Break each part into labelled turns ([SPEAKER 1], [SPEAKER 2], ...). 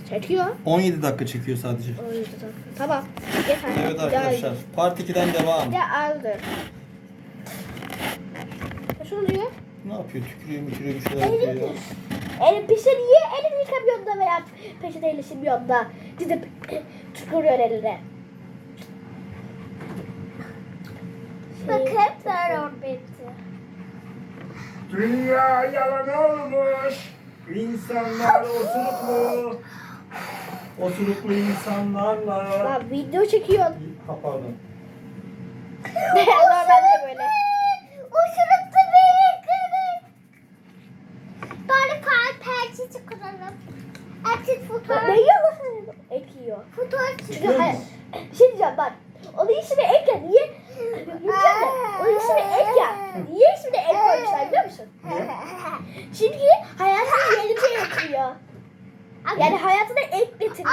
[SPEAKER 1] Çekiyor.
[SPEAKER 2] 17 dakika çekiyor sadece.
[SPEAKER 1] 17 dakika. Tamam. Yeter.
[SPEAKER 2] Evet arkadaşlar. Part 2'den devam.
[SPEAKER 1] Ya aldı. Nasıl oluyor?
[SPEAKER 2] Ne yapıyor? Tükürüyor bir şeyler yapıyor ya.
[SPEAKER 1] Elin pişir niye elini yıkamıyorsun da veya peçeteyle silmiyorsun da gidip tükürüyor eline.
[SPEAKER 3] Bakın sarı bitti.
[SPEAKER 4] Dünya yalan olmuş. İnsanlar osuruklu. Osuruklu insanlarla.
[SPEAKER 1] Lan video çekiyorsun.
[SPEAKER 2] Ha, pardon.
[SPEAKER 1] Normalde de böyle.
[SPEAKER 3] Uçuruklu beni kırık. Bari perçeci kuralım. Açık fotoğraf.
[SPEAKER 1] Ne yiyor? Ek yiyor.
[SPEAKER 3] Fotoğraf
[SPEAKER 1] Çünkü
[SPEAKER 3] çekelim.
[SPEAKER 1] hayır. Bir şey diyeceğim bak. Onun ismi ek ya. Niye? Yiyeceğim de. Onun ismi ek ya. Niye ismini ek koymuşlar biliyor musun? Çünkü hayatına yeni bir şey getiriyor. Yani hayatına ek getiriyor.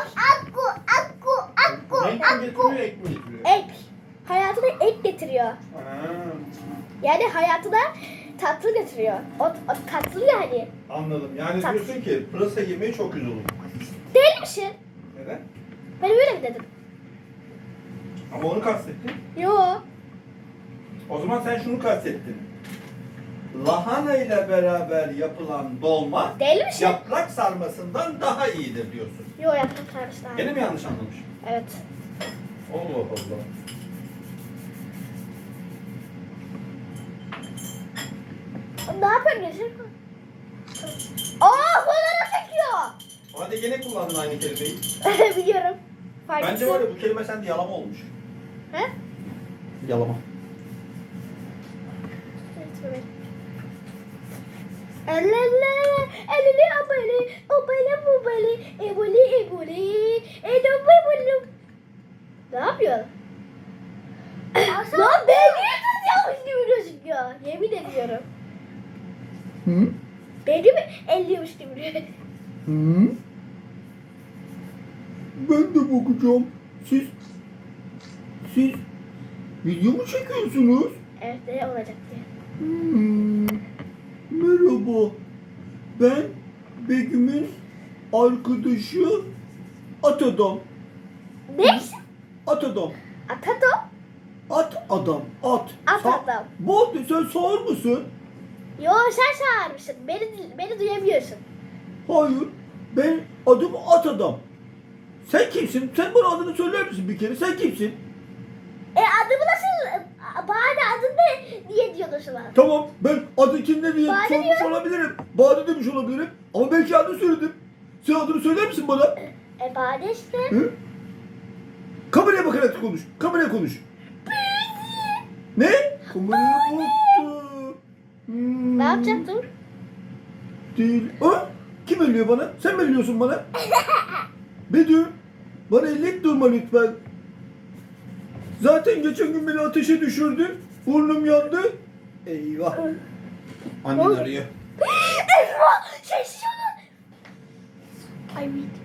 [SPEAKER 1] Ek.
[SPEAKER 4] Renk mi getiriyor, ek mi getiriyor?
[SPEAKER 1] Ek. Hayatına ek getiriyor.
[SPEAKER 4] Ha.
[SPEAKER 1] Yani hayatına tatlı getiriyor. O tatlı yani.
[SPEAKER 4] Anladım. Yani
[SPEAKER 1] Tat.
[SPEAKER 4] diyorsun ki pırasa yemeği çok güzel olur.
[SPEAKER 1] Değil misin?
[SPEAKER 4] Neden?
[SPEAKER 1] Ben öyle mi dedim?
[SPEAKER 4] Ama onu kastettin.
[SPEAKER 1] Yo.
[SPEAKER 4] O zaman sen şunu kastettin. Lahana ile beraber yapılan dolma
[SPEAKER 1] Değil misin?
[SPEAKER 4] yaprak sarmasından daha iyidir diyorsun.
[SPEAKER 1] Yo yaptım sarmışlar.
[SPEAKER 4] Gene mi yanlış anlamış?
[SPEAKER 1] Evet.
[SPEAKER 4] Allah Allah.
[SPEAKER 1] Ne yapıyorsun Geçir? Aa fotoğraf çekiyor.
[SPEAKER 4] Hadi gene kullandın aynı kelimeyi.
[SPEAKER 1] Biliyorum. Fark
[SPEAKER 4] Bence var ya bu kelime sende yalama olmuş.
[SPEAKER 1] He?
[SPEAKER 2] Yalama.
[SPEAKER 1] Ne yapıyor? Lan ben niye tutuyormuş gibi gözüküyor? Yemin ediyorum.
[SPEAKER 2] Hı?
[SPEAKER 1] Beni mi elliyormuş gibi gözüküyor?
[SPEAKER 2] Hı? Ben de bakacağım. Siz video mu çekiyorsunuz?
[SPEAKER 1] Evet ne olacak diye.
[SPEAKER 2] Merhaba. Ben Begüm'ün arkadaşı At Adam.
[SPEAKER 1] Ne?
[SPEAKER 2] At Adam.
[SPEAKER 1] Atato?
[SPEAKER 2] At Adam. At.
[SPEAKER 1] At Adam.
[SPEAKER 2] Bu sen sağır mısın?
[SPEAKER 1] Yo sen çağırmışsın. Beni duyamıyorsun.
[SPEAKER 2] Hayır. Ben adım At Adam. Sen kimsin? Sen bana adını söyler misin bir kere? Sen kimsin?
[SPEAKER 1] Adımı nasıl... Bana adın ne? Niye diyorsun bana?
[SPEAKER 2] Tamam ben adı kimde diye
[SPEAKER 1] Bade
[SPEAKER 2] sormuş
[SPEAKER 1] diyor.
[SPEAKER 2] olabilirim. Bade demiş olabilirim. Ama belki adını söyledim. Sen adını söyler misin bana?
[SPEAKER 1] Bade işte.
[SPEAKER 2] Hı? Kameraya bakarak konuş. Kameraya konuş. Ne? Kameraya baktı.
[SPEAKER 1] Ne yapacaktın?
[SPEAKER 2] Değil. Ha? Kim ölüyor bana? Sen mi ölüyorsun bana? Bedü. Bana ellik durma lütfen. Zaten geçen gün beni ateşe düşürdün. Burnum yandı. Eyvah. Annen arıyor.
[SPEAKER 1] Eyvah! Sessiz olun. Ay